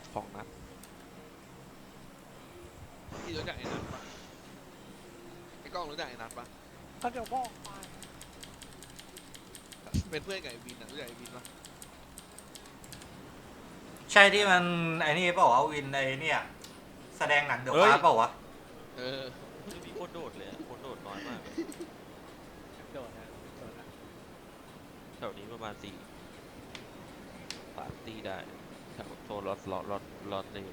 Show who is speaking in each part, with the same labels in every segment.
Speaker 1: 2 นัดพี่รู้จักไอ้นัทปะไอ้กล้องรู้จักไอ้นัทปะ
Speaker 2: ก็เดี๋ยวบอกไป
Speaker 1: เป็นเพื่อนกับไอ้วินรู้จักไอ้วินปะ
Speaker 3: ใช่ที่มันไอ้นี่เปล่าวะวินไอ้เนี่ยแสดงหนังเดอะฟาสเปล่าวะ
Speaker 1: เออ
Speaker 4: ไม่มีคนโดดเลยคนโดดน้อยมากเลย
Speaker 2: โดนนะโดนนะ
Speaker 4: แถวนี้ประมาณ3 ตีได้แถวโซนลอตเลย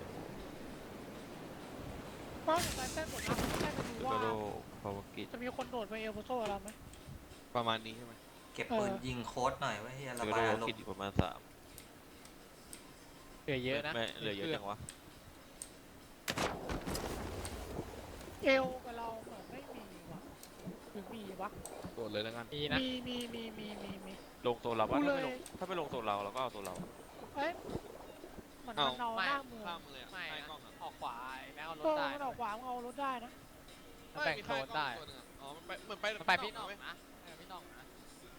Speaker 2: เพราะอย่างไรเต้นหมดนะแค่จะดู
Speaker 4: แล้ว
Speaker 2: ว่า
Speaker 4: ก็โดพาวกิจ
Speaker 2: จะมีคนโดดไปเอลโบโซ่เราไหม
Speaker 1: ประมาณนี้ใช่ไหม
Speaker 3: เก็บปืนยิงโค้ดหน่อยไว้เฮีย
Speaker 4: แล้
Speaker 3: ระ
Speaker 4: วก็
Speaker 3: บา
Speaker 4: โด
Speaker 3: ยอารม
Speaker 4: กิจ
Speaker 3: ณ์
Speaker 4: อยู่ประมาณ3
Speaker 5: เหลือเยอะนะ
Speaker 4: ไม่เหลือเยอะจังวะ
Speaker 2: เอลกับเราเหมือนไม่มีว่ะหรือมีวะ
Speaker 1: โดดเลยแล้วกัน
Speaker 5: มีนะ
Speaker 2: มี
Speaker 4: ลงโซนเราปะ
Speaker 2: กู
Speaker 4: ถ้า
Speaker 2: เลย
Speaker 4: ไม่ลงโซนเราก็เอาโซนเรา
Speaker 2: เอ้ยเหมือนมันเอาหน้าเมือง
Speaker 1: ข้ามเลยอ่ะ
Speaker 5: ไม่
Speaker 1: ใช่
Speaker 5: นะ
Speaker 1: กล้องอ่ะ
Speaker 5: ออกขวาไอ้แม็กเอาร
Speaker 2: เอ
Speaker 5: ถ
Speaker 2: อ
Speaker 5: ได้
Speaker 2: มันออกขวามันเอารถได้นะ
Speaker 5: มันแบ่งโซนได้
Speaker 1: อ๋อมันไปเหมือนไป
Speaker 5: มันไปพี่น้องนะพี่น้องนะ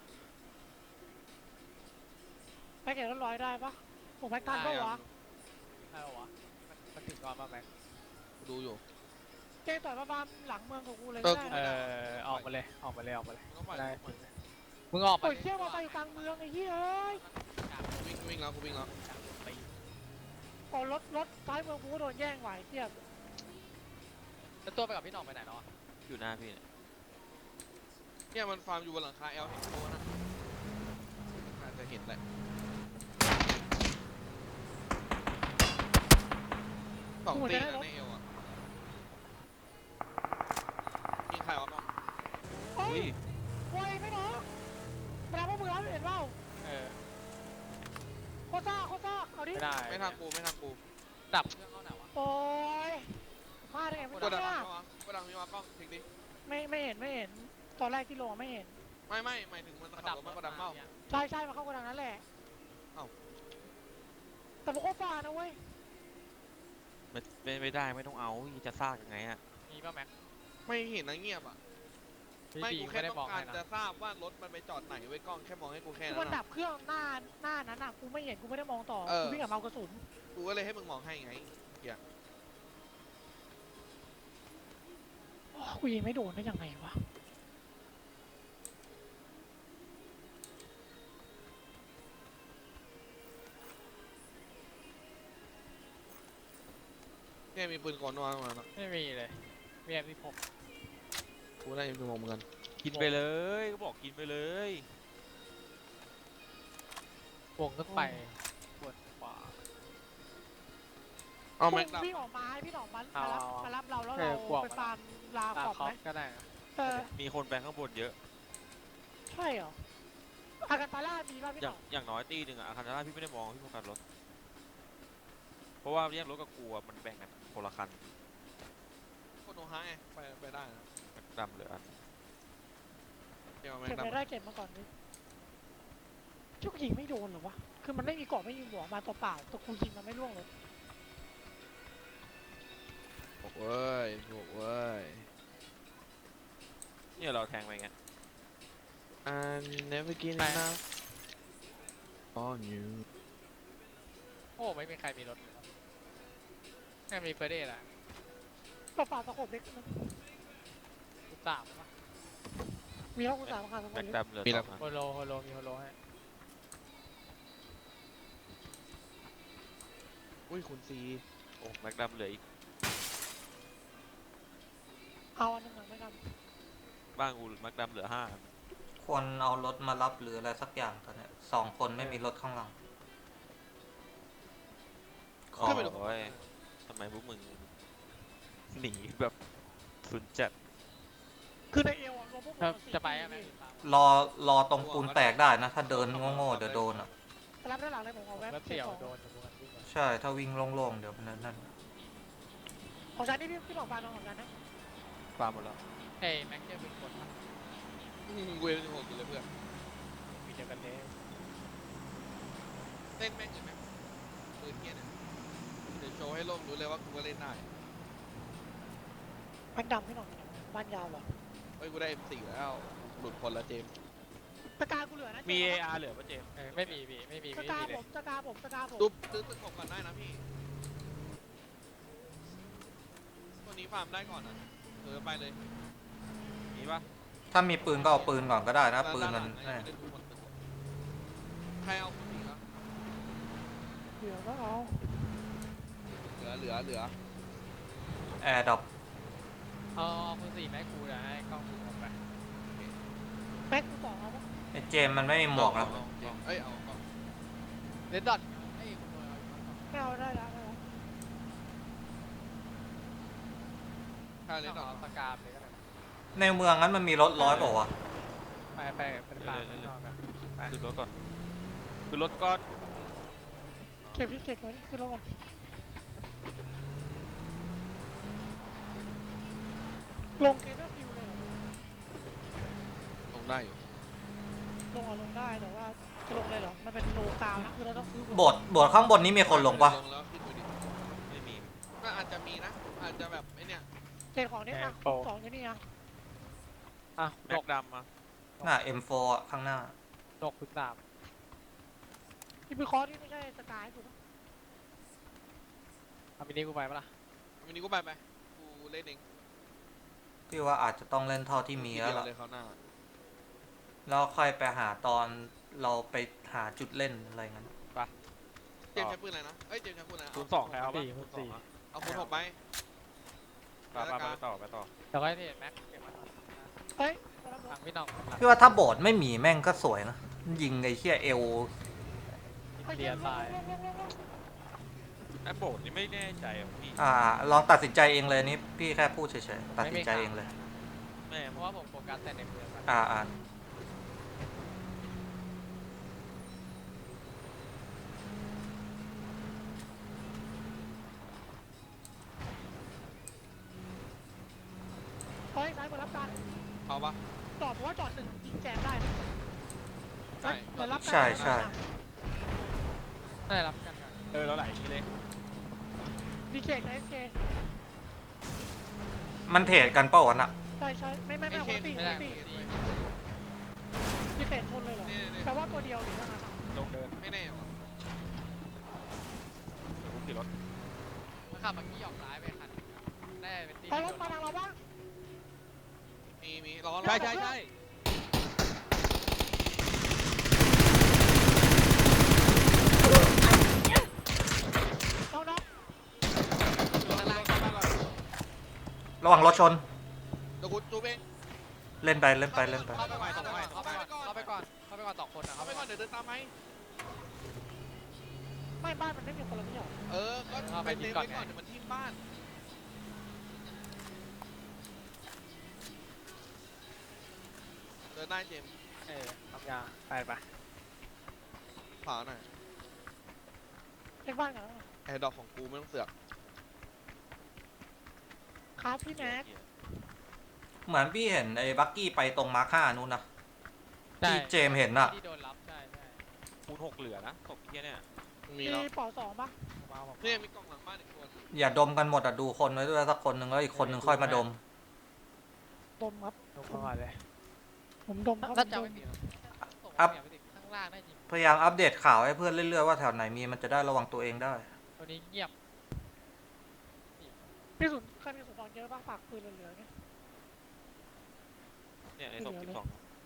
Speaker 2: ไปเก็บรถร้อยได้ปะผมแม็กทันปะวะ
Speaker 5: ใช่ปะวะมันถึงก่อนป่ะแม็ก
Speaker 1: ดูอยู่
Speaker 2: เจ๊ต่อยประมาณหลังเมืองของกูเลย
Speaker 1: เออ
Speaker 2: ได้
Speaker 5: เอ
Speaker 2: นะ
Speaker 5: อออกมาเลยออกมาเลยออกมาเลย
Speaker 1: ต้องปล่อย
Speaker 5: ได้
Speaker 1: ต้องปล่อย
Speaker 5: มึงออกมา
Speaker 2: โอ้ยเชี่ยมาไปกลางเมืองไอ้เหี้ยเอ้ย
Speaker 1: วิ่งแล้วกูวิ่งแล้ว
Speaker 2: พอรถท้ายเมืองกูก็โดนแย่งไหวเทียบ
Speaker 5: แล้วตัวไปกับพี่น้องไปไหนเนาะ
Speaker 4: อยู่หน้าพี่เนี่ย
Speaker 1: เนี่ยมันฟาร์มอยู่บนหลังคาเอลเห็นโตนะอาจจะเห็นแหละ2 ตีนะในเอลอ่ะยิงใครวะกล้อง
Speaker 2: เฮ้
Speaker 4: อุ้
Speaker 2: ย
Speaker 4: ย
Speaker 2: โอ้ยไม่น้องแปลว่ามึงรับเห็นเปล่า
Speaker 5: เออ
Speaker 2: โคซ่าเอาดิ
Speaker 5: ไม่ได้
Speaker 1: ไม่ทางกูไม่ทางกู
Speaker 5: ดับเครื่องเข้าไหนวะ
Speaker 2: โอ้ยพลาดได้ไงไม่
Speaker 1: ก
Speaker 2: รู้
Speaker 1: ดดัง
Speaker 2: เนี่ย
Speaker 1: เข้าวะกดดังมีวะกล้องทิ้งดิ
Speaker 2: ไม่เห็นตอนแรกที่ลงไม่เห็น
Speaker 1: ไม่หมายถึงมันขับรถมากดดังเมา
Speaker 2: ใช่มาเข้ากระดังนั้นแหละ
Speaker 1: เอ้า
Speaker 2: แต่มันก็ฝ่านะเว้ย
Speaker 4: ไม่ได้ไม่ต้องเอาจะซากยังไงอะ
Speaker 5: มีป่ะแม็ก
Speaker 1: ไม่เห็นนะเงียบอ่ะ
Speaker 5: พี่
Speaker 1: ไม่
Speaker 5: บี
Speaker 1: กู
Speaker 5: ไม่
Speaker 1: แค่
Speaker 5: ได้
Speaker 1: ต้
Speaker 5: บ
Speaker 1: อ
Speaker 5: อก
Speaker 1: งการ
Speaker 5: ให้นะ
Speaker 1: จะทราบว่ารถมันไปจอดไหนไว้กล้องแค่มองให้กูแค่
Speaker 2: คือ
Speaker 1: นั้
Speaker 2: มัน
Speaker 1: น
Speaker 2: ดั
Speaker 1: อะ
Speaker 2: บเครื่องหน้านั้นอ่ะกูไม่เห็นกูไม่ได้มองต่อ
Speaker 1: เออ
Speaker 2: กูวิ่งกับเมากระสุน
Speaker 1: กูก็เลยให้มึงมองให้ไง
Speaker 2: โอ้กูยิงไม่โดนได้ยังไงวะ
Speaker 1: เนี่ยมีปืนกลวางมาแล้ว
Speaker 5: ไม่มีเลยมีแอมที่ผม
Speaker 1: กูได้ปืนกลเหมือนกัน
Speaker 4: กินไปเลยก็บอกกินไปเลย
Speaker 5: วงขึ้นไปปวดขวา
Speaker 1: เอาแม็กดับ
Speaker 2: วิ่งออกมาให้พี่หนองมา
Speaker 5: เอา
Speaker 2: รับเราแล้ว
Speaker 5: เอ
Speaker 2: เรา
Speaker 5: อกวาง
Speaker 2: ไป
Speaker 5: มา
Speaker 2: ฟาร์มลา
Speaker 5: ตา
Speaker 2: ขอบ
Speaker 5: คอ
Speaker 2: ไหม
Speaker 5: ปก็ได้นะ
Speaker 2: เออ
Speaker 4: มีคนไปข้างบนเยอะ
Speaker 2: ใช่เหรออากันตาล่ามีป่ะพี่
Speaker 4: อ
Speaker 2: หน
Speaker 4: ย่าง
Speaker 2: อง
Speaker 4: อย่างน้อยตีหนึ่งอะอาคารราพี่ไม่ได้มองพี่โฟกัสรถ เพราะว่าแยกรถกับกูอะมันแบ่งกันคนละคัน
Speaker 1: คนโอฮาไงไปได้นะ
Speaker 4: ดำเหลืออัน
Speaker 1: เดี๋ยวแม็ก
Speaker 2: เก็บ
Speaker 1: ดับ
Speaker 2: ไม่ได้เก็บมาก่อนดิชุกยิงไม่โดนเหรอวะคือมันไม่มีเกาะไม่มีหัวมาตัวเปล่าแต่กูยิงมันไม่ร่วงเลย
Speaker 1: บอกเว้ยบอกเว้ย
Speaker 4: เนี่ยเราแทงไปไง
Speaker 1: I'm never get enough on you
Speaker 5: โอ้ไม่มีใครมีรถเลยแค่มีเฟรเดย์แหละ
Speaker 2: ตัวเปล่าตะขบเล็กนะ
Speaker 5: ทุกสามป่ะ
Speaker 2: มีแล้วกูสามคันทั้งหม
Speaker 4: แบ็
Speaker 2: ด
Speaker 4: ค
Speaker 2: เลย
Speaker 4: ดำเหลือ
Speaker 1: มี
Speaker 4: ส
Speaker 1: แล้
Speaker 4: อ
Speaker 1: ว
Speaker 4: งอัน
Speaker 5: โฮโลมีโฮโลให้
Speaker 1: อุ้ยคุณซี
Speaker 4: โอ้แบ็คดำเหลืออีก
Speaker 2: เอาอันหนึงหน่อยไม่ท
Speaker 4: บ้างกูแบ็คดำเหลือ5 อัน
Speaker 3: ควรเอารถมารับหรืออะไรสักอย่างตอนเนี้ย2 คนไม่มีรถข้างหลัง
Speaker 4: โอ้ยทำไมพวกมึงหนีแบบสุดจัด
Speaker 2: ำคือในเอวอะรวมพวกมึงสี่
Speaker 5: จะไปอะแม็ก
Speaker 3: รอตรงปูนแตกได้นะ ถ้าเดินโง่ๆเดี๋ยวโดนอ่ะ
Speaker 2: รับด้านหลังเลยผมเอาแว็บ
Speaker 5: แล้ว
Speaker 2: เก็บ
Speaker 5: เสี่ยว
Speaker 2: ของ
Speaker 5: โดนทุกคนวิ่ง
Speaker 3: ใช่ถ้าวิ่งโล่งๆเดี๋ยวมันนั่น
Speaker 2: ของฉันนี่พี่หลอกฟาร์มของฉันนะ
Speaker 4: ฟาร์มหมดแล้ว
Speaker 5: เฮ้ยแม็กเจอเป็นคน
Speaker 1: เวล16อยู่เลยเพื่อน
Speaker 5: มีเดียวกันเลย
Speaker 1: เล่นแม่งเลยไหมปืนเงี้ยเนี่ยเดี๋ยวโชว์ให้โลกรู้เลยว่ากูก็เล่นได้
Speaker 2: แม็กดำพี่หลอกบ้านยาวเหรอ
Speaker 1: เฮ้ยกูได้ M4 แล้วหลุดคนละเจมส์
Speaker 2: ตะกากูเหลือนะ
Speaker 4: มี
Speaker 2: เจ๊
Speaker 4: AR เหลือปะเจมส์
Speaker 5: ไม่มีพี่ไม่มี
Speaker 2: ตะ
Speaker 5: ไม่
Speaker 2: กา
Speaker 5: มีเล
Speaker 2: ผ
Speaker 5: ย
Speaker 2: มตะกาผม
Speaker 1: ตุ๊บซื้อตึกผมก่อนได้นะพี่นี้ฟาร์มได้ก่อนอ่ะไปเลย
Speaker 4: มีปะ
Speaker 3: ถ้ามีปืนก็เอาปืนก่อนก็ได้นะปืนมัน
Speaker 1: ด้านหลังไงไม่ได้ดูหมดตึกใครเอาคนอีกแล้ว
Speaker 2: เดี๋ยวก็เอา
Speaker 1: เหลือ
Speaker 3: แอร์ดรอป
Speaker 5: เอาคุณสี่แม็กกูเดี๋ยวให้กล้องกูออกไป
Speaker 2: แม็กกูสองเอาปะ
Speaker 3: ไอ้เจมส์มันไม่มีหมวกแล้ว
Speaker 1: เอ้ยเอาก่อน
Speaker 5: เดนดอทไอ้ยคุณโดนเอาอยู่ก่อน
Speaker 2: ไม่เอาได้แล้วได้แล้ว
Speaker 1: ใครเลย
Speaker 5: ต้อง
Speaker 1: ดอก
Speaker 5: เอาสกามเลยก็ได้
Speaker 3: ในเมืองนั้นมันมีรถร้อยเปล่าวะ
Speaker 5: ไปเป็นปากข้างนอกกัน
Speaker 4: ขึ้นรถก่อนขึ้นรถก่อน
Speaker 2: เก็บที่เก็บไว้ขึ้นรถก่อนลงเกมไม่ฟิวเลยเหรอ
Speaker 1: ลงได้อยู่
Speaker 2: ลงเอาลงได้แต่ว่าจะลงเลยเหรอมันเป็นโลกาวนะคือเราต้องซื้อ
Speaker 3: โบสถ์ข้างบนนี้มีคนลงปะ
Speaker 1: ลงแล้วขึ้นไปดิ
Speaker 4: ไม่มี
Speaker 1: ก็อาจจะมีนะ อาจจะแบบไอ้เนี่ย
Speaker 2: เจนของนี่อ่ะสองที่นี่อ่ะ
Speaker 5: อ่ะ
Speaker 4: แม็กดำมา
Speaker 3: น่า M4 อะข้างหน้า
Speaker 5: ดกคุณสาม
Speaker 2: ที่ไปคอร์สที่ไม่ใช่สกายถูกปะ
Speaker 5: เอามินิกูไปปะล่ะ
Speaker 1: วันนี้กูไปกูเล่นเอง
Speaker 3: พี่ว่าอาจจะต้องเล่นเท่าที่มีแล้ว
Speaker 1: ทีเดีย
Speaker 3: ล่ะ
Speaker 1: เลยเขาหน้า
Speaker 3: แล้วค่อยไปหาตอนเราไปหาจุดเล่นอะไรงั้น
Speaker 1: เจมส์ใช้ปืนอะไรนะเอ้ยเจมส์ใช้ปืนอะไร
Speaker 4: คูณสองใครเอาปะคูณสองอะ
Speaker 1: เอาคูณ6ไป
Speaker 4: ไปต่อไปต่อ
Speaker 5: แล้วก็ไอ้นี่แม็กเก็บมา
Speaker 2: เฮ้ย
Speaker 5: ทางพี่น้อง
Speaker 3: พี่ว่าถ้าโบสถ์ไม่มีแม่งก็สวยนะยิงไอ้เหี้ยเอว
Speaker 5: เลียตาย
Speaker 4: ไอ้โบสถ์นี่ไม่แน่ใจอ่ะพี่
Speaker 3: ลองตัดสินใจเองเลยนี่พี่แค่พูดเฉยๆตัดสินใจเองเลย
Speaker 4: แม่
Speaker 5: เพราะว่าผมโฟกัสแต่ในเมืองมัน
Speaker 3: อ่า
Speaker 2: เฮ้ยซ้ายมารับการ
Speaker 1: เอาปะ
Speaker 2: จอดเพราะว่าจอดหนึ่งยิงแจมได้นะ
Speaker 1: ใช่
Speaker 2: เดี๋ยวรับการ
Speaker 3: ใช่ใช่
Speaker 5: ได้รับกันกัน
Speaker 4: แล้วไหลอย่างนี้เลย
Speaker 2: ดีเคกับเอสเค
Speaker 3: มันเทรดกันเปล่าวะน่ะ
Speaker 2: ใช่ใช่ไม่คนละตี
Speaker 5: ไม่
Speaker 2: คน
Speaker 5: ได้
Speaker 2: ละตี
Speaker 5: ดี
Speaker 2: ดีเคชนเลยเหรอ
Speaker 1: นี่
Speaker 2: แปลว่าตัวเดียวหรือเท่านั้นอะ
Speaker 4: ลงเดิน
Speaker 1: ไม่แน่ว่ะ
Speaker 4: ผมขี่รถ
Speaker 5: มันขับเมื่อกี้หยอกร้ายไปคันได้เป็นตี
Speaker 2: ไปรถมาทางเราบ้าง
Speaker 1: มีล้อ
Speaker 2: ใช่ น้อง
Speaker 5: ข้างล่างข้างล่างก่อน
Speaker 3: ระหว่างรถชน
Speaker 1: เดี๋ยวกูจูบเอง
Speaker 3: เล่นไป
Speaker 5: เข้าไปก่อนเข้าไปก่อนเข้าไปก่อนสองคนนะ
Speaker 1: เอาไปก่อนเดี๋ยวเดินตามไหม
Speaker 2: ๆไม่บ้านมันไม่มีคนละไม่ใช่เหรอ
Speaker 1: ก็ไปเต็มไว้ก่อนเดี๋ยวมันทิ่มบ้านเดินได้เจมส์
Speaker 5: ทำยาไป
Speaker 1: ผ่าหน่อย
Speaker 2: เล็กบ้านกันแล้ว
Speaker 1: แอร์ดอกของกูไม่ต้องเสือก
Speaker 2: ครับพี่แม็ก
Speaker 3: เหมือนพี่เห็นไอ้บักกี้ไปตรงมาร์ค5นู้นนะ
Speaker 5: ใช่
Speaker 3: ที่เจมส์เห็นน่ะ
Speaker 5: ที่โดนรับใช่
Speaker 4: คูณ6เหลือนะตกเที่ยเนี่ย
Speaker 1: มี
Speaker 2: มี
Speaker 1: แล้ว
Speaker 2: เป่าสองปะ
Speaker 5: มาผม
Speaker 1: เนี่ยมีกล่องหลังบ้านอีกตัว
Speaker 3: อย่าดมกันหมดอ่ะดูคนไว้ด้วยสักคนหนึ่งแล้วอีกคนหนึ่งค่อยมาดม
Speaker 2: ดมครับ
Speaker 5: ลงมาก่อนเลย
Speaker 2: ผมดมครับ
Speaker 5: น่าจะไม่ติดข้างล่างได้จริง
Speaker 3: พยายามอัปเดตข่าวให้เพื่อนเรื่อยๆว่าแถวไหนมีมันจะได้ระวังตัวเองได้
Speaker 5: ตัวนี้เงียบ
Speaker 2: พี่สุนใครมีสุนทรเยอะบ้างฝากปืนเหลือๆเนี่ย
Speaker 4: เนี่ยในศพ12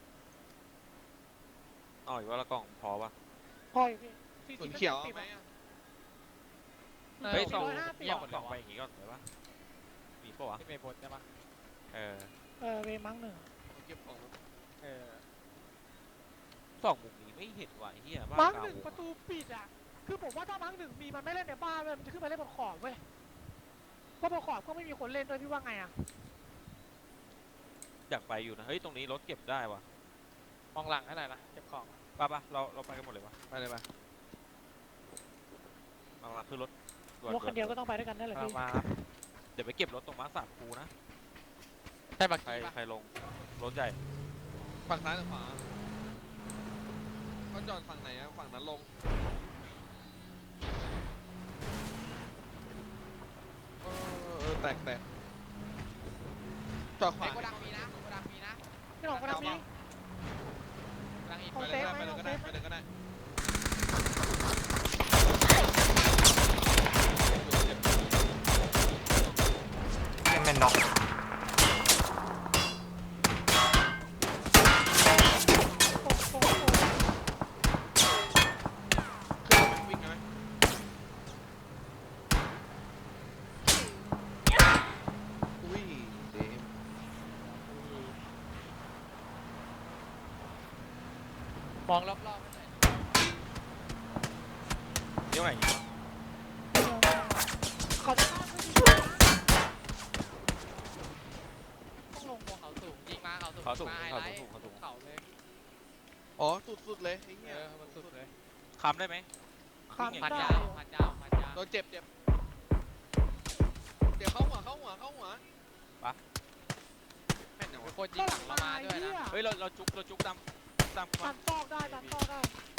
Speaker 4: อ๋ออีกว่าละกล่องพอปะ
Speaker 2: พออยู่พี่
Speaker 1: ส่วนเขียวเอาไหม
Speaker 4: เฮ้ย
Speaker 2: 450
Speaker 4: ส่อง
Speaker 5: เงียบหมดเล
Speaker 4: ส่อง
Speaker 5: ย
Speaker 4: ไปอย่างงี้ก่อนเลยวะมีปะวะ
Speaker 5: ที่เมย์บนใช่ปะ
Speaker 2: เวมั้งหนึ่ง
Speaker 1: เก็บของ
Speaker 4: ส่องมุมนี้ไม่เห็นว่ะไอ้เหี้ยบ้า
Speaker 2: มั้ง
Speaker 4: กลา
Speaker 2: หนึ่ง
Speaker 4: วง
Speaker 2: ประตูปิดอ่ะคือผมว่าถ้ามั้งหนึ่งมีมันไม่เล่นในบ้านเว้ยมันจะขึ้นมาเล่นบนขอบเว้ยเพราะบนขอบก็ไม่มีคนเล่นด้วยพี่ว่าไงอ่ะ
Speaker 4: อยากไปอยู่นะเฮ้ยตรงนี้รถเก็บได้วะ
Speaker 5: มองหลังให้หน่อยนะเก็บของ
Speaker 4: ปะเราไปกันหมดเลยวะ
Speaker 1: ไปเลยไป
Speaker 4: มาขึ้นรถด่
Speaker 2: รถคันเดียวก็ต้องไปด้วยกันนั่นแหละพี่
Speaker 5: มา
Speaker 4: เดี๋ยวไปเก็บรถตรงม้าสามคูนะ
Speaker 5: ใช่บัก
Speaker 4: ใคร
Speaker 5: กี้ปะ
Speaker 4: ใครลงรถใหญ่
Speaker 1: ฝั่งซ้ายหรือขวาก็จอดฝั่งไหนอะฝั่งนั้นลงแตกจอดขวา
Speaker 5: โกดังมีนะโกดังมีนะ
Speaker 2: พี่หลงคนนั้นมี
Speaker 5: โกดังอีก
Speaker 2: เอา
Speaker 1: ไป
Speaker 2: เซ
Speaker 1: เลย
Speaker 2: ฟ
Speaker 1: ก็
Speaker 2: ไหม
Speaker 1: ได้ไปเลยก็ได้
Speaker 2: เอาเซฟ
Speaker 1: ไปเลยก็ได้
Speaker 3: แมไม่น็อก
Speaker 2: โอ้โห
Speaker 1: ขึ้นไปวิ่งกันไหมอุ้ยเดม
Speaker 5: มองรอบๆไม่ไหนอย
Speaker 4: เดี๋ยวไง
Speaker 2: เขาจะฆ่าเพื่อนที่
Speaker 5: ต้องลงบนเขาสูงยิงมาเขาสูง
Speaker 4: เขาสูง
Speaker 5: มาไฮ
Speaker 4: เขา
Speaker 5: ไล
Speaker 4: สู
Speaker 5: ท์
Speaker 4: งเขาสูง
Speaker 5: เขาเลย
Speaker 1: อ๋อสุดๆเลยไอ้
Speaker 5: เอ
Speaker 1: เหี้ย
Speaker 5: อมันสุดเลย
Speaker 4: คำได้ไหม
Speaker 2: ข้าม
Speaker 5: พัน
Speaker 2: ได้
Speaker 5: ยาวพันยาวพันยาว
Speaker 1: โดนเจ็บเจ็บเข้าหัวแม่นยัง
Speaker 5: มี
Speaker 1: วะ
Speaker 5: คนยิงหลังเรามาด้วยนะ
Speaker 4: เฮ้ยเราจุกตามมั
Speaker 2: ตั
Speaker 4: น
Speaker 2: ดซอกได้ตัดซอกได้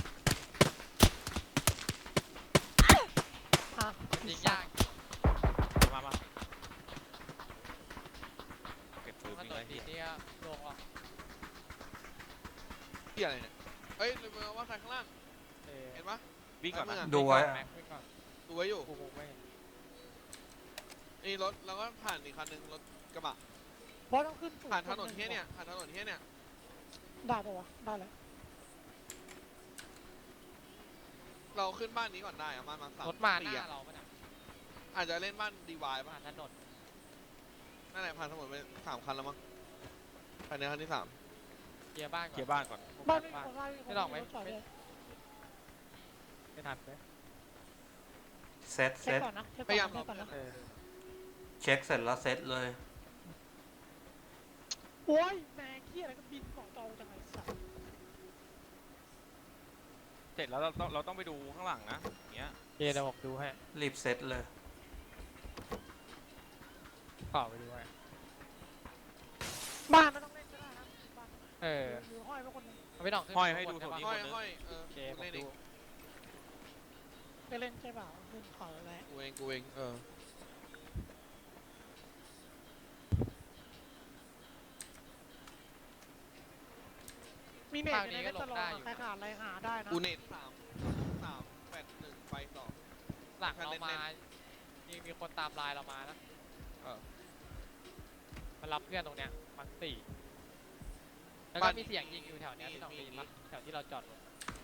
Speaker 2: อ่ะ
Speaker 5: ยิงยาก
Speaker 4: มาเก็บปืน
Speaker 5: มัน
Speaker 4: ยิง
Speaker 5: โด
Speaker 4: ไร
Speaker 5: น
Speaker 4: เหี้
Speaker 5: ดี
Speaker 4: ย
Speaker 5: เนี่ยลงอ่ะ
Speaker 1: เหี้ยอะไรเนี่ยเฮ้ยเลยมาว่าใครข้างล่าง
Speaker 5: เออ
Speaker 1: เห็นปะ
Speaker 4: วิ่งก่อนนะ
Speaker 3: ดูไว้
Speaker 5: แม็กวิ่งก่อน
Speaker 1: ดูไว้อยู่
Speaker 5: กูคงไม่เห็น
Speaker 1: นี่รถแล้วก็ผ่านอีกคันหนึงรถกระบะ
Speaker 2: เพราะต้องขึ้นสูง
Speaker 1: ผ่านถนนเที่ยเนี่ยผ่านถนนเที่ยเนี่ย
Speaker 2: ได้ปะวะได้แล้ว
Speaker 1: เราขึ้นบ้านนี้ก่อนได้อะบ้านมาสาม
Speaker 5: รถมาห
Speaker 1: สี่
Speaker 5: น้า
Speaker 1: อะ
Speaker 5: เราปะเนี่ย
Speaker 1: อาจจะเล่นบ้านดีวาย
Speaker 5: ผ่า
Speaker 1: ป่ะ
Speaker 5: นถนน
Speaker 1: นั่นแหละผ่านถนนไป3 คันแล้วมั้งภายในคันที่
Speaker 5: เคลียร์บ้านก่อน
Speaker 4: เคลียร์บ้านก่อน
Speaker 2: บ้านไม่มีคนไล่
Speaker 5: ไม่หรอกไหม
Speaker 2: รถจอดเลย
Speaker 5: ไม่ทันไหม
Speaker 3: เซต
Speaker 2: เช็คก่อนนะเช็ค
Speaker 1: 3พยายาม
Speaker 2: ก่อนนะ
Speaker 5: เออ
Speaker 3: เช็คเสร็จแล้วเซตเลย
Speaker 2: โอ้ยแมงขี้อะไรก็บินเกาะจอจังไงสัตว์
Speaker 4: เสร็จแล้วเราต้องไปดูข้างหลังนะอย่างเงี้ย
Speaker 5: เดี๋ยวผมดูให้
Speaker 3: รีบเซตเลย
Speaker 5: ขอไปดูให้
Speaker 2: บ้านไม่ต้องเล่นก็ได้นะบ้าน
Speaker 5: เออ
Speaker 2: หรือห้อยไว้คนหนึง
Speaker 5: ไม่ต้องขึ้น
Speaker 4: ห้อยให้ดู
Speaker 5: ข้างบน
Speaker 4: โท
Speaker 5: ใช่
Speaker 4: นี่
Speaker 5: ปะ
Speaker 1: 3ห้อย
Speaker 5: โอเคผม
Speaker 1: เล่นเอ
Speaker 5: ดู
Speaker 1: ง
Speaker 2: ไปเล่นใช่เปล่าเล่นขออะไร
Speaker 1: กูเอง
Speaker 2: มีเน็ตอยู่ในเว็บตลอดอะใครขาดอะไรหาได้นะ
Speaker 1: กูเน็ต3 8 1 ไป
Speaker 5: หลังเรา
Speaker 1: เน้นๆ
Speaker 5: มามีคนตามไลน์เรามานะ
Speaker 1: เออ
Speaker 5: มันรับเพื่อนตรงเนี้ยมันสี่แล้ว
Speaker 1: บ้า
Speaker 5: ก็
Speaker 1: น
Speaker 5: มีเสียงยิงอยู่แถวเนี้ย
Speaker 1: มี
Speaker 5: ที่ต้อง
Speaker 1: มี
Speaker 5: ได้ยินปะแถวที่เราจอดรถ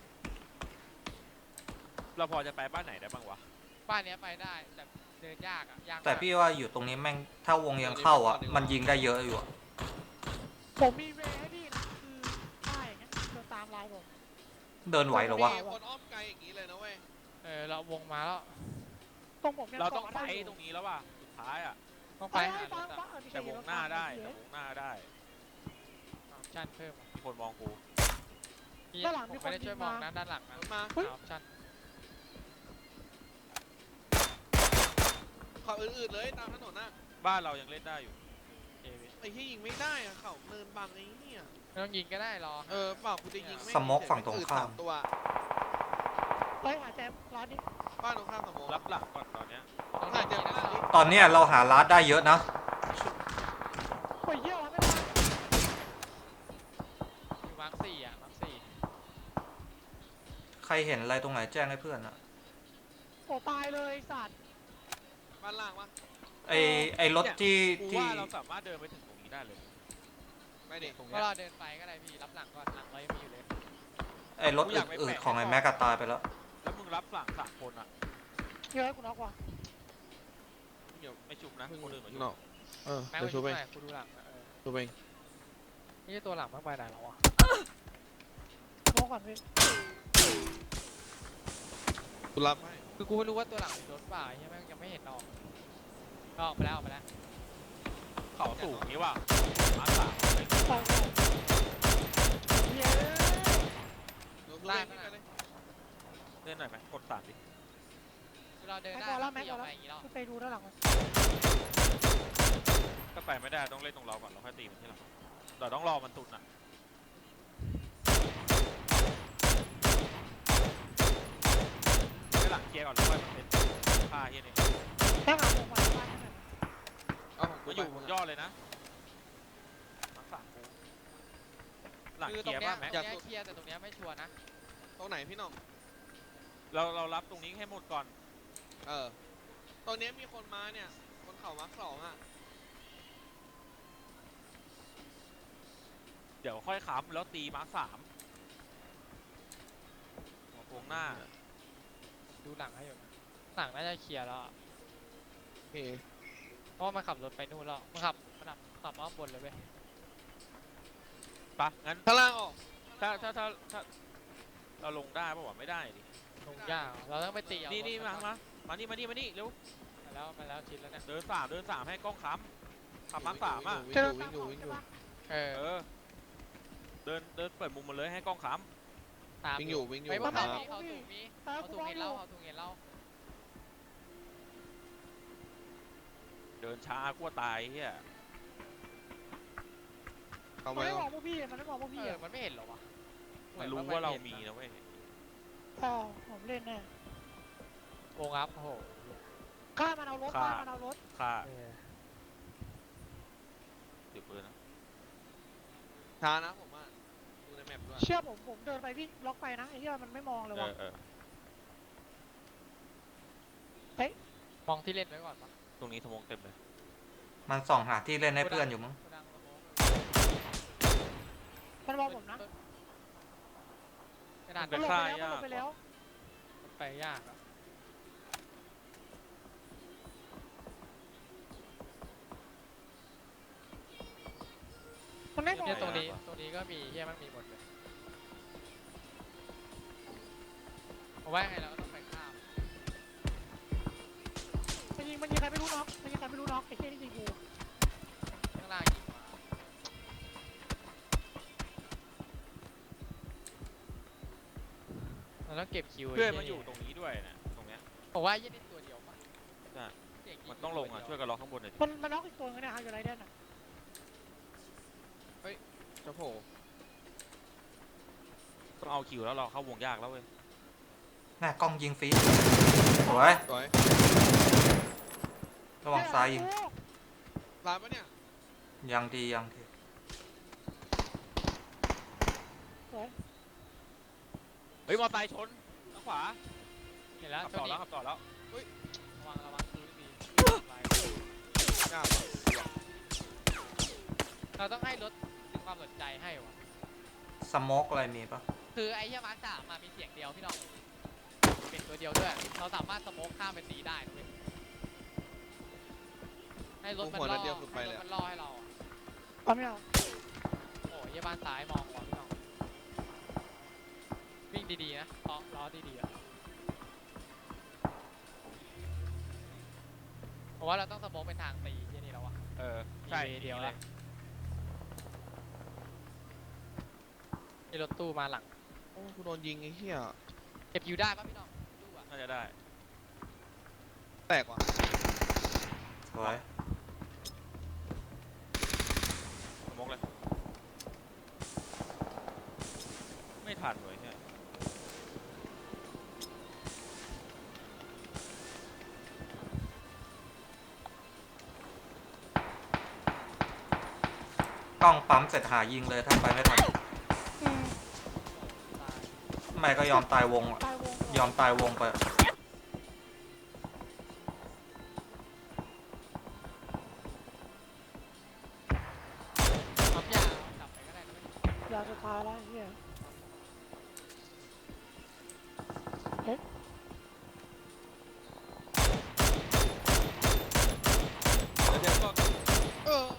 Speaker 4: เราพอจะไปบ้านไหนได้บ้างวะ
Speaker 5: บ้านเนี้ยไปได้แต่เดินยากอ่ะยากมาก
Speaker 3: แต่พี่ว่าอยู่ตรงนี้แม่งถ้าวงยังเข้าอ่ะ มันยิงได้เยอะอยู่อะ
Speaker 2: ผมมีเวย์ให้พี่นะคือได้อย่างเงี้ยเดินตามไลน์ผม
Speaker 3: เดินไหวเหรอวะ
Speaker 1: มีคนอ้อมไกลอย่างนี้เลยนะเว้ย
Speaker 5: เราวงมาแล้ว
Speaker 2: ตรงผมเนี่ย
Speaker 4: เราต้อง
Speaker 2: กะ
Speaker 4: ไป
Speaker 2: ด้ยู่
Speaker 4: ตรงนี้แล้วว่ะสุดท้ายอ่ะ
Speaker 5: ต้อง
Speaker 2: ไป
Speaker 5: ไป
Speaker 2: ให้
Speaker 5: หาร
Speaker 2: ฟัง
Speaker 5: ถ
Speaker 2: ฟั
Speaker 5: อะ
Speaker 2: งไม่
Speaker 4: แต่
Speaker 2: ใช่
Speaker 4: วงหน้าได้แต่วงหน้าได้
Speaker 5: ออปชั่นเพิ่มอะ
Speaker 4: มีคนมองกู
Speaker 5: ผมไม่ได้ช่วยมองนะด้านหลัง
Speaker 1: ร
Speaker 5: นะ
Speaker 1: ถมา
Speaker 5: ออปชั่น
Speaker 1: ขับอื่นๆเลยตามถนนน่ะ
Speaker 4: บ้านเรายังเล่นได้อยู่
Speaker 5: เอวิ
Speaker 1: ไอ้ที่ยิงไม่ได้อะเขาเนินบังไอ้เนี่ย
Speaker 5: ไม่ต้องยิงก็ได้รอ
Speaker 1: เปล่ากูจะยิงไม่
Speaker 3: สโมกฝั่งตรงข้าม
Speaker 1: อื่น3 ตัว
Speaker 2: เฮ้ยหาแจมร้านนี้
Speaker 1: บ้านตรงข้ามสโมก
Speaker 4: รับหลังก่อนตอนเนี้ย
Speaker 5: ต้อง
Speaker 1: น่า
Speaker 5: ยิ
Speaker 1: จะ
Speaker 5: งนะ
Speaker 3: ตอนเนี้ยเราหาร้านได้เยอะนะ
Speaker 2: โอ้ยเยี่ยวไม่ได้
Speaker 5: อยู่มาร์คสี่อ่ะมาร์คสี่
Speaker 3: ใครเห็นอะไรตรงไหนแจ้งให้เพื่อนอะ
Speaker 2: โอ้ตายเลยไอ้สัตว์
Speaker 1: บ้านล่างวะ
Speaker 3: ไอรถที่
Speaker 4: กู
Speaker 3: ที่
Speaker 4: ว่าเราสามารถเดินไปถึงตรงนี้ได้เลย
Speaker 1: ไม่ดิ
Speaker 4: ตรง
Speaker 5: ก็
Speaker 4: เนี้ย
Speaker 5: รอเดินไปก็ได้พี่รับหลังก่อนหลังเรายังมีอยู่เลย
Speaker 3: ไอรถอืดๆของไอแม็กกาตายไปแล้ว
Speaker 4: แล้วมึงรับหลัง3 คนอ่ะ
Speaker 2: เยอะกูน็อกว่ะ
Speaker 4: เดี๋ยวไม่ชุบนะคนอื่นมาชุบ
Speaker 1: เนาะ
Speaker 5: แม็ก
Speaker 1: เดี๋ยว
Speaker 5: ไป
Speaker 1: ชู
Speaker 5: ดู
Speaker 1: ไป
Speaker 5: หน่อยกูดูหลังนะ
Speaker 1: ชูไป
Speaker 5: นี่ตัวหลังมากไปไหนแล้ววะ
Speaker 2: น็อกก่อนพี่
Speaker 1: กูรับให้
Speaker 5: คือกูไม่รู้ว่าตัวหลังมีรถเปล่าใช่ไหมยังไม่เห็นออกออกไปแล้วออกไปแล้ว
Speaker 4: เขาสูงนี้ว่ะมาสาม
Speaker 2: ตายเย้
Speaker 1: เดี๋ยวชูไปนี่ไปเลย
Speaker 4: เล่นหน่อยไหมกด3ดิ
Speaker 5: คือเราเดิน
Speaker 2: แม็ก
Speaker 5: ได้
Speaker 2: พอแล้ว
Speaker 5: ไม่
Speaker 2: แม็ก
Speaker 5: ย
Speaker 2: พ
Speaker 5: อ
Speaker 2: อ
Speaker 5: ม
Speaker 2: แล้ว
Speaker 5: ไปอย่างนี้หรอก
Speaker 2: ไปดูด้านหลังมัน
Speaker 4: ก็ไปไม่ได้ต้องเล่นตรงเราก่อนเราค่อยตีมันที่หลังเราต้องรอมันตุนอ่ะไปหลังเคลียร์ก่อนแล้วค่อยมันเป็นผ้าเฮียนี่
Speaker 2: แม็กหาผมมาบ้านให้หน่อย
Speaker 1: เอาของกู
Speaker 4: ก็อยู่บนยอดเลยนะมาสามกูหลัง
Speaker 5: คือ
Speaker 4: เค
Speaker 5: ตร
Speaker 4: ลี
Speaker 5: ง
Speaker 4: ยร์
Speaker 5: เนี้ย
Speaker 4: ป่ะแม็ก
Speaker 5: ตรงเนี้ยเคลียร์แต่ตรงเนี้ยไม่ชัวร์นะ
Speaker 1: ตรงไหนพี่น้อง
Speaker 4: เรารับตรงนี้ให้หมดก่อน
Speaker 1: ตอนนี้มีคนมาเนี่ยคนเขามาร์ค2อะ
Speaker 4: เดี๋ยวค่อยค้ำแล้วตีมาร์คสามหัวโค้งหน้า
Speaker 5: ดูหลังให้อยู่นะหลังน่าจะเคลียร์แล้วอะ
Speaker 1: โอเค
Speaker 5: เพราะว่ามันขับรถไปนู่นแล้วมันขับมาข้างบนเลยเว้ย
Speaker 4: ปะงั้น
Speaker 1: ข้างล่างออก
Speaker 4: ถ้าเราลงได้ป่าวะไม่ได้ดิ
Speaker 5: ลงยากเราต้องไปตีเอา
Speaker 4: นี่
Speaker 5: รถ
Speaker 4: มานี่เร็ว
Speaker 5: มาแล้วชิดแล้วเนี่ย
Speaker 4: เดินสามให้กล้องค้ำขับมาร์คสามอ่ะ
Speaker 1: วิ่ง
Speaker 2: เจอ
Speaker 1: อยู่
Speaker 2: ตาม
Speaker 1: วิ่ง
Speaker 2: ข
Speaker 1: อ
Speaker 2: อง
Speaker 1: ยู่
Speaker 2: ใช่ปะ
Speaker 5: เออ
Speaker 4: เออเดินเปิดมุมมาเลยให้กล้องค้
Speaker 5: ตาม
Speaker 1: วิ่งอยู่วิ่งอยู่
Speaker 5: ไม่
Speaker 1: วิ่ง
Speaker 5: เขา
Speaker 1: อยู่
Speaker 5: มีเขาถูกมี
Speaker 2: ตา
Speaker 5: เขา
Speaker 2: กู
Speaker 5: ถูก
Speaker 2: มอง
Speaker 5: เห็น
Speaker 2: อ
Speaker 5: เรา
Speaker 2: ยู่
Speaker 5: เขาถูกเห็นเรา
Speaker 4: ำเดินช้ากลัวตายเฮีย
Speaker 1: เข้า
Speaker 2: มัน
Speaker 1: มา
Speaker 2: ไม่
Speaker 1: แล้ว
Speaker 2: มองพวกพี่มันไม่มองพวกพี่
Speaker 5: เออ
Speaker 2: อ่ะ
Speaker 5: มันไม่เห็นหรอวะ
Speaker 4: มันรู้ว่าเรามีนะเว้ย
Speaker 2: ผมเล่นแน่
Speaker 5: วงอัพโอ้โห
Speaker 2: ฆ่ามันเอารถฆ่ามันเอารถ
Speaker 4: ค่า
Speaker 5: เออ
Speaker 4: เดี๋ยวปืนนะ
Speaker 1: ช้านะผมอ่ะดูในแมปด้วย
Speaker 2: เชื่อผมเดินไปวิ่งล็อกไปนะไอ้เหี้ยมันไม่มองเลยว่ะ
Speaker 5: มองที่เล่นไว้ก่อนปะ
Speaker 4: ตรงนี้สมองเต็มเลย
Speaker 3: มันส่องหาที่เล่นให้เพื่อนอยู่มั้ง
Speaker 5: โกดังสโมก
Speaker 2: มันมองผมนะ
Speaker 5: กระดาษ
Speaker 2: มันลงไปแล้วมันลงไปแล้ว
Speaker 5: มันไปยากอะ
Speaker 2: มันไม่มอง
Speaker 5: เนี่ยตรงนี้ก็มีเฮียมันมีหมดเลยผมว่ายังไงเราก็ต้องไปข้าม
Speaker 2: มันยิงใครไม่รู้น็อกมันยิงใครไม่รู้น็อกไอ้เหี้ยนี่ยิงกู
Speaker 5: ข้างล่างยิงมาเราต้องเก็บคิว
Speaker 4: เพื่อนมันอยู่ตรงนี้ด้วยนะตรงเนี้ย
Speaker 5: ผมว่ายี่นี่ตัวเดียวปะ
Speaker 4: ใช่
Speaker 5: เด็กยิ
Speaker 4: มันต้องลงอ่ะช่วยกันล็อกข้างบนหน่อยดิ
Speaker 2: มันน็อกอีกตัวนึงเนี่ยฮะอยู่ไรเดนอ่ะ
Speaker 1: จะโผล่
Speaker 4: ต้องเอาคิวแล้วเราเข้าวงยากแล้วเว้ย
Speaker 3: แม่กล้องยิงฟรีสวย
Speaker 1: สวย
Speaker 3: ระวังซ้ายยิง
Speaker 1: ร้านปะเนี่ย
Speaker 3: ยังดียังดี
Speaker 2: สวย
Speaker 4: เฮ้ยมอไซค์ชนทางขวา
Speaker 5: เห็นแล้ว
Speaker 4: ขับ
Speaker 5: โช
Speaker 4: ต่
Speaker 5: ค
Speaker 4: อ
Speaker 5: ดี
Speaker 4: แล้วขับต่อแล้ว
Speaker 5: ระวังดูดี
Speaker 1: ยากว่ะ
Speaker 5: เราต้องให้รถดึงความสนใจให้วะ
Speaker 3: สโมกอะไรมีปะ
Speaker 5: คือไอ้เหี้ยมาร์ค3มามีเสียงเดียวพี่น้องเป็นตัวเดียวด้วยเราสามารถสโมกข้ามไปตีได้นะเว้ยให้รถมันล่อให้รถมันล่อให้เราอะ
Speaker 2: เอาไม่เอา
Speaker 5: โอ้ยเหี้ยบ้านซ้ายมองก่อนพี่น้องวิ่งดีๆนะล้อดีๆอะเพราะว่าเราต้องสโมกเป็นทางตีที่นี่แล้วอะ
Speaker 4: เออใช่
Speaker 5: เดียวละมีรถตู้มาหลัง
Speaker 1: โอ้กูโดนยิงไอ้เหี้ย
Speaker 5: เก็บคิวได้ปะพี่น้องตู้อะ
Speaker 4: น่าจะได้
Speaker 1: แตกว่ะ
Speaker 3: สวย
Speaker 4: สมองเลยไม่ทันเลยเนี่ย
Speaker 3: กล้องปั๊มเสร็จหายิงเลยถ้าไปไม่ทัน
Speaker 2: อืม
Speaker 5: ตาย
Speaker 3: ไม่ก็ยอมตายวงอะ
Speaker 2: ตายวง
Speaker 3: ยอมตายวงไป
Speaker 5: ปั๊มยาเอากลับไปก็ได้นะเว้ย
Speaker 2: ยาสุดท้ายแล้วไอ้เหี้ย
Speaker 1: เดี๋ยวก็เออ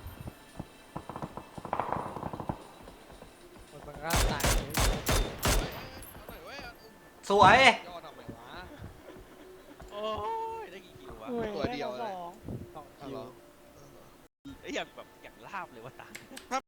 Speaker 5: มันก็ตายเลย
Speaker 1: เอาหน่อยเว้ยเอา
Speaker 3: สวย
Speaker 1: ย่อทำไมวะ
Speaker 4: โอ้ยได้กี่คิววะ
Speaker 2: อุ้ย
Speaker 1: ตัวเดียว
Speaker 2: ได้
Speaker 1: เลย
Speaker 2: มาสอง
Speaker 5: สอง
Speaker 1: เอา
Speaker 5: คิ
Speaker 1: เหร
Speaker 5: ว
Speaker 1: อ
Speaker 4: ไอ้ยอย่างแบบอย่างลาบเลยวะตา